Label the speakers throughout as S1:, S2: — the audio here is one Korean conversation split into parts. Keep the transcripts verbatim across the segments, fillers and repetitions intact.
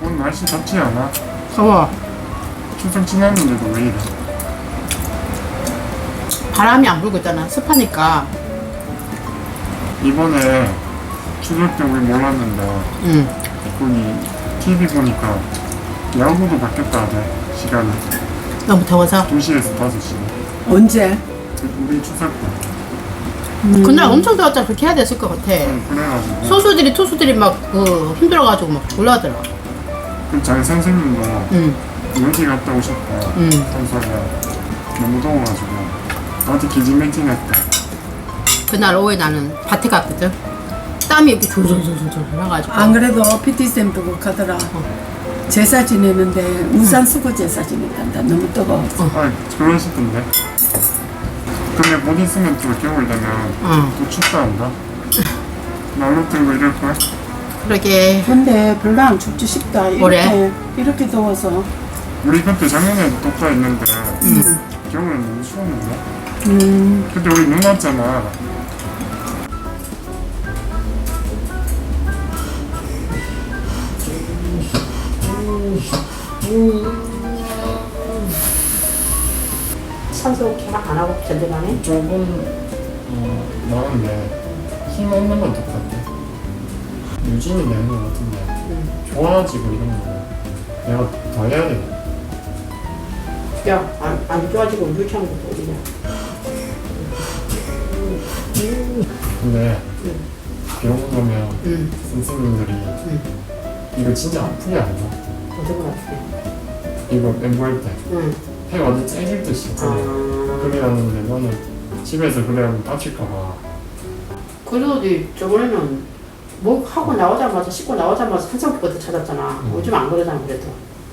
S1: 오늘 날씨 덥지 않아?
S2: 더워.
S1: 추석 지났는데도 왜 이래?
S2: 바람이 안 불고 있잖아. 습하니까.
S1: 이번에 추석 때 우리 몰랐는데
S2: 응.
S1: 덕분이 티비 보니까 야구도 바뀌었다 하대. 시간이
S2: 너무 더워서.
S1: 두 시에서 다섯 시.
S3: 언제?
S1: 우리 추석 때.
S2: 그날 엄청 더웠잖아. 그렇게 해야 됐을 것 같아.
S1: 응, 그래가지고
S2: 소수들이 투수들이 막 그 힘들어가지고 막 졸라하더라.
S1: 그 장 선생님도
S2: 응.
S1: 여기 갔다 오셨다.
S2: 응.
S1: 평소에 너무 더워가지고 나한테 기진맥진했다.
S2: 그날 오후에 나는 밭에 갔거든. 땀이 이렇게 졸졸졸졸 흘러가지고.
S3: 안 그래도 피티쌤 보고 가더라. 제사 지내는데 우산 쓰고 제사 지냈단다. 너무 뜨거워서.
S1: 아 그러시던데. 근데 못 있으면 또 겨울 되면
S2: 응.
S1: 또 춥다 한다. 난로 들고 이럴 거야?
S2: 그러게.
S3: 근데 별로 안 춥지 싶다. 이렇게,
S2: 뭐래?
S3: 이렇게 더워서.
S1: 우리 그때 작년에도 독자 있는데
S2: 응.
S1: 겨울에 너무 추웠는데.
S3: 음,
S1: 그때 우리 눈 왔잖아.
S2: 산소 개막 안 하고 견뎌가네.
S1: 조금 어, 나은데 힘 없는 건 똑같아. 유진이 되는 것 같은데
S2: 응.
S1: 좋아지고 이런 거 내가 더 해야 돼.
S2: 야, 안, 안 좋아지고 물창는 것도 어디냐.
S1: 근데
S2: 응.
S1: 병원 가면
S2: 응.
S1: 선생님들이
S2: 응.
S1: 이거 진짜 아프게 안 줘.
S2: 어디가 아프게.
S1: 이거 엠보할 때
S2: 응.
S1: 해 완전 째질 듯이 그래.
S2: 아.
S1: 그래 하는데 너는 집에서 그래 하면 다칠까봐.
S2: 그래도 네 저번에는 뭐 하고 나오자마자 씻고 나오자마자 산소기부터 찾았잖아.
S1: 응.
S2: 요즘 안 그러잖아 그래도.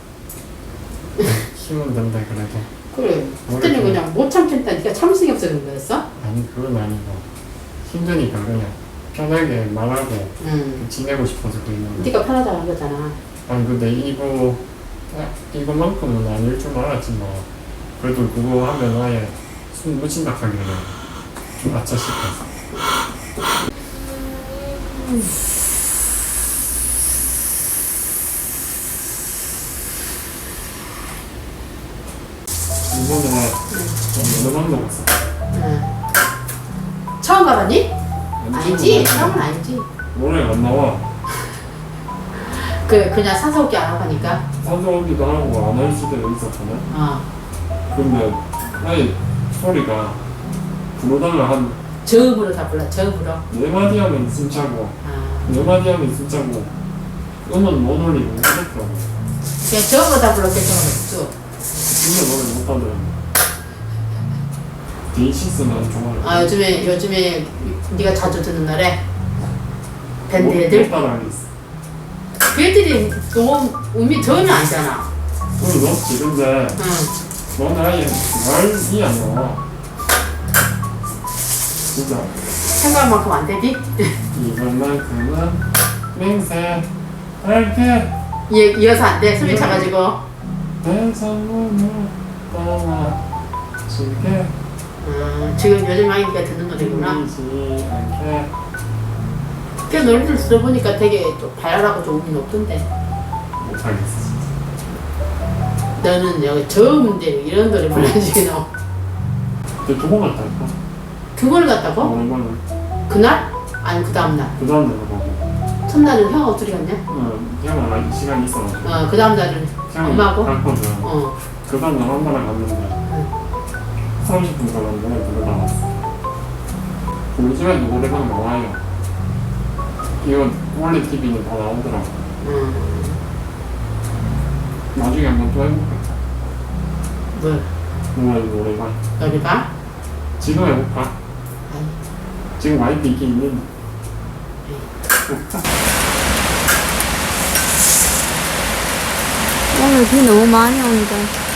S1: 힘은 된다 그래도.
S2: 그래. 그때는
S1: 그래도-
S2: 그냥 못 참겠다. 네가 참을성이 없어 그런 거였어?
S1: 아니 그건 아니고 힘드니까 그냥 편하게 말하고
S2: 응.
S1: 지내고 싶어서 그랬는데.
S2: 네가 편하다고 한 거잖아.
S1: 아니 근데 이거 아, 이거만큼은 아닐 줄 알았지만 그래도 그거 하면 아예 숨 못 쉰다 하길래 좀 아차 싶어서. 이번에 너만 먹었어.
S2: 응. 처음 가봤니? 아니지. 처음은 아니지.
S1: 노래 안 나와.
S2: 그 그냥 산소호흡기 안 하고 하니까.
S1: 산소호흡기도 하고 안 할 수도 있었잖아.
S2: 어.
S1: 근데 아예 소리가 부르다가 한 네
S2: 저음으로 다 불러. 저음으로.
S1: 마디 하면 숨차고
S2: 아.
S1: 네 마디 하면 숨차고 음은 못 올리고 그랬더라고.
S2: 그냥 저음으로 다 불러. 괜찮아.
S1: 진짜 노래 못하더라고. 데이시스는 좋아해.
S2: 아 요즘에 요즘에 네가 자주 듣는 노래 밴드 애들
S1: 못 따라하겠어.
S2: 그 애들이 너무 음이 저음이 아니잖아.
S1: 음이 높지. 근데
S2: 응.
S1: 너는 아예 말이 안 나와. 진짜
S2: 생각만큼 안 되지?
S1: 이번만큼은 맹세 할게.
S2: 이 이어서 안 돼. 숨이 차가지고.
S1: 내 선물을 떠나줄게.
S2: 음, 지금 요즘 많이 네가 듣는 노래구나.
S1: 보이지 않게.
S2: 그 노래들 들어보니까 되게 좀 발랄하고 좋음이 높던데.
S1: 못하겠어.
S2: 너는 여기 저음인데 이런 노래 불러주기 너.
S1: 근데 두번 갔다 할까?
S2: 두 번을 갔다고?
S1: 오랜만에.
S2: 그날? 아니 그 다음 날.
S1: 그 다음 날로 가고.
S2: 첫날은 형 어떻게 갔냐?
S1: 응, 형은 시간 있어.
S2: 어, 그 다음 날은
S1: 형이
S2: 엄마하고?
S1: 갔거든.
S2: 어.
S1: 그 다음 날 엄마랑 갔는데 삼십 분 걸었는데 그거 나왔어. 우리 집에도 노래방 나와요. 이거 원래 티비는 다 나오더라고.
S2: 음.
S1: 나중에 한번 또 해볼까?
S2: 뭘?
S1: 노래 노래방.
S2: 너네 봐?
S1: 지금 해볼까?
S2: 아니.
S1: 지금 와이프 있긴 있는데.
S4: 오늘 비 너무 많이 온다.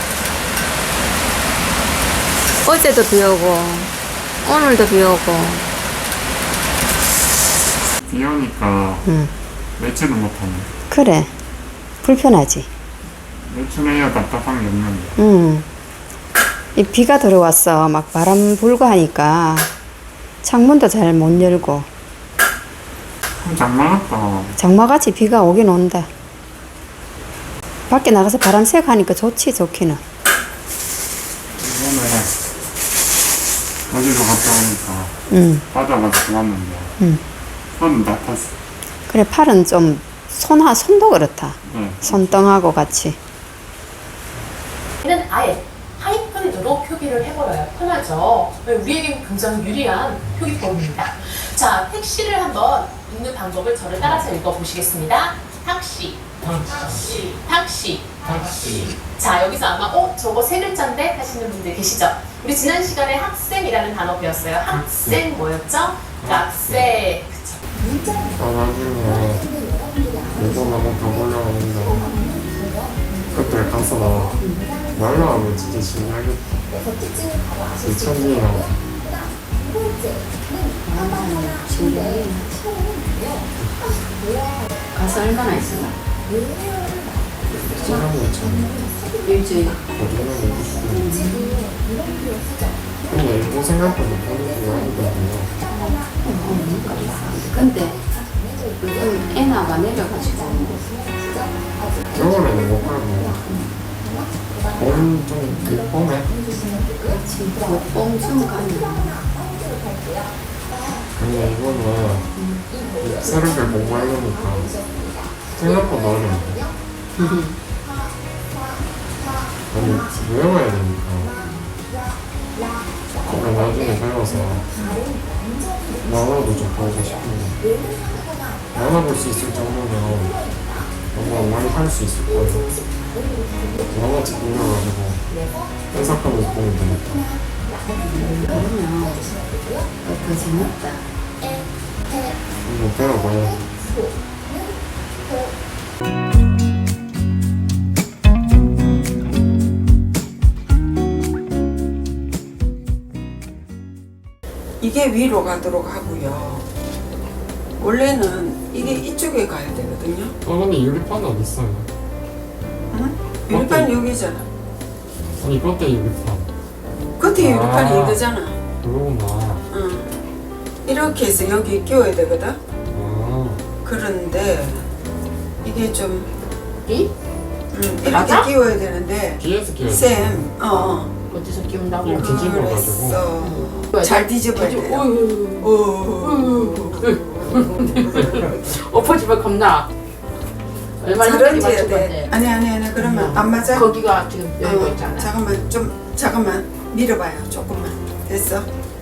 S4: 어제도 비 오고, 오늘도 비 오고.
S1: 비 오니까
S4: 응.
S1: 매체도 못하네.
S4: 그래. 불편하지.
S1: 매출해야 답답한 게 없는데.
S4: 응. 이 비가 들어왔어. 막 바람 불고 하니까 창문도 잘 못 열고.
S1: 장난 같다.
S4: 장마같이 비가 오긴 온다. 밖에 나가서 바람 쐬고 하니까 좋지, 좋기는.
S1: 이번에 어디로 갔다 오니까
S4: 응.
S1: 바다가 좋았는데
S4: 응.
S1: 손은 나빴어.
S4: 그래, 팔은 좀, 손, 하, 손도 그렇다.
S1: 네.
S4: 손등하고 같이.
S5: 는 아예 하이픈으로 표기를 해버려요. 편하죠. 우리에게 굉장히 유리한 표기법입니다. 자, 택시를 한번 읽는 방법을 저를 따라서 읽어보시겠습니다. 탁시, 탁시, 탁시, 탁시. 자, 여기서 아마 어? 저거 세 글자인데? 하시는 분들 계시죠? 우리 지난 시간에 학생이라는 단어 배웠어요. 학생 뭐였죠? 학생. 그쵸?
S1: 아, 나중에 일본 한번 가보려고 하는데 그때 가서 말로 하면 진짜 신기하겠다. 이천이랑
S2: 가서 얼마나 있었나?
S1: 사람이 참
S2: 일주일.
S1: 거짓말을 해주시고 근데 일본 생각보다 돈이 많이거든요.
S2: 근데 요즘 애나가 내려가지고
S1: 겨울에는 못 가고 봄좀 봄에
S2: 그렇지. 봄쯤 가면
S1: 근데 이거는 새롭게 공부하려니까 생각보다 어려운데 아니 외워야 되니까 그러니까 나중에 배워서 만화도 좀 보고 싶은데 만화 볼 수 있을 정도면 뭔가 많이 할 수 있을 거예요. 만화 책 빌려가지고 해석하면서 보면 되니까
S2: 그러면 더 재밌다.
S1: 한번 배워봐야지.
S3: 이게 위로 가도록 하고요. 원래는 이게 이쪽에 가야 되거든요.
S1: 어 근데 유리판 어디 있어요?
S3: 응? 유리판 여기잖아.
S1: 아니 그때 유리판
S3: 겉에
S1: 아.
S3: 유리판이 이거잖아.
S1: 그거구나.
S3: 응. 이렇게 해서 여기 끼워야 되거든.
S1: 아
S3: 그런데 이게 좀
S2: 이?
S3: 응, 이렇게
S2: 맞아?
S3: 끼워야 되는데
S1: 뒤에서 끼워야 돼.
S3: 쌤, 어,
S2: 어디서 끼운다고?
S1: 이거 뒤집어가지고.
S3: 그랬어. 잘 뒤집어야 돼.
S2: 어휴.
S3: 오,
S2: 엎어지면 겁나. 얼마나
S3: 잘
S2: 힘들게
S3: 얹어야
S2: 맞출
S3: 돼.
S2: 건데.
S3: 아니 아니 아니 그러면 안 맞아?
S2: 거기가 지금 열고
S3: 어,
S2: 있잖아.
S3: 잠깐만 좀 잠깐만 밀어봐요. 조금만 됐어.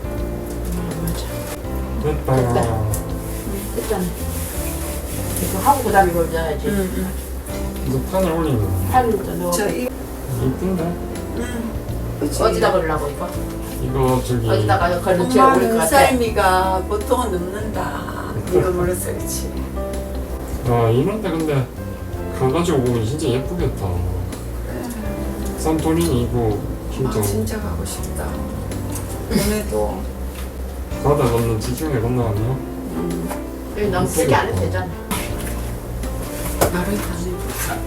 S1: 됐다.
S2: 됐잖아. 이거 하고 그다음에 이걸 넣어야지.
S3: 응, 응.
S1: 이거 판을 올리는 거.
S2: 팔을 넣어.
S3: 저 이,
S1: 이쁜데?
S3: 응. 그치.
S2: 어디다 걸으려고 이거?
S1: 이거 저기
S2: 어디다가 걸면 제일 어울릴 것
S3: 엄마는
S2: 같아.
S3: 삶이가 보통은 눕는다. 이거 물었어, 그렇지.
S1: 아 이런데 근데 가가지고 보면 진짜 예쁘겠다. 산토리니 이거 진짜
S3: 아, 진짜 가고 싶다. 오늘도
S1: 바다 건너 지중해 건너가네요.
S2: 여기 너무 세게 안 해도 되잖아.
S3: 말을 다 해.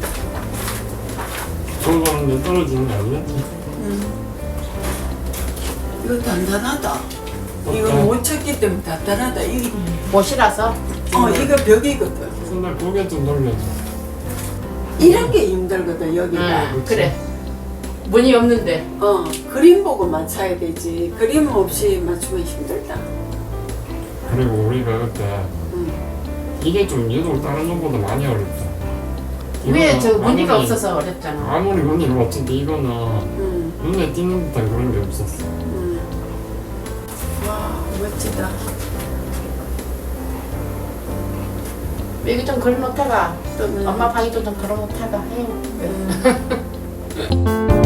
S1: 저거 가는데 떨어지는 거 아니겠지?
S3: 응. 이거 단단하다. 이거
S1: 어때?
S3: 못 쳤기 때문에 단단하다. 이,
S2: 못이라서.
S3: 어, 이거 벽이거든.
S1: 손날 고개 좀 돌려줘.
S3: 이런 게 힘들거든, 여기가.
S2: 응, 그래. 문이 없는데.
S3: 어, 그림 보고 맞춰야 되지. 그림 없이 맞추면 힘들다.
S1: 그리고 우리가 그때
S3: 응.
S1: 이게 좀 유독 다른 것보다 많이 어렵다.
S2: 위에
S1: 이거는
S2: 저 무늬가
S1: 아무리-
S2: 없어서 어렵잖아.
S1: 아무리 무늬가 없어도 이거는
S3: 응,
S1: 눈에 띄는 듯한 그런 게 없었어.
S3: 응. 와, 멋지다.
S2: 여기 좀 걸어놓다가 또
S3: 음.
S2: 엄마 방에도 좀 걸어놓다가 해요.
S3: 응.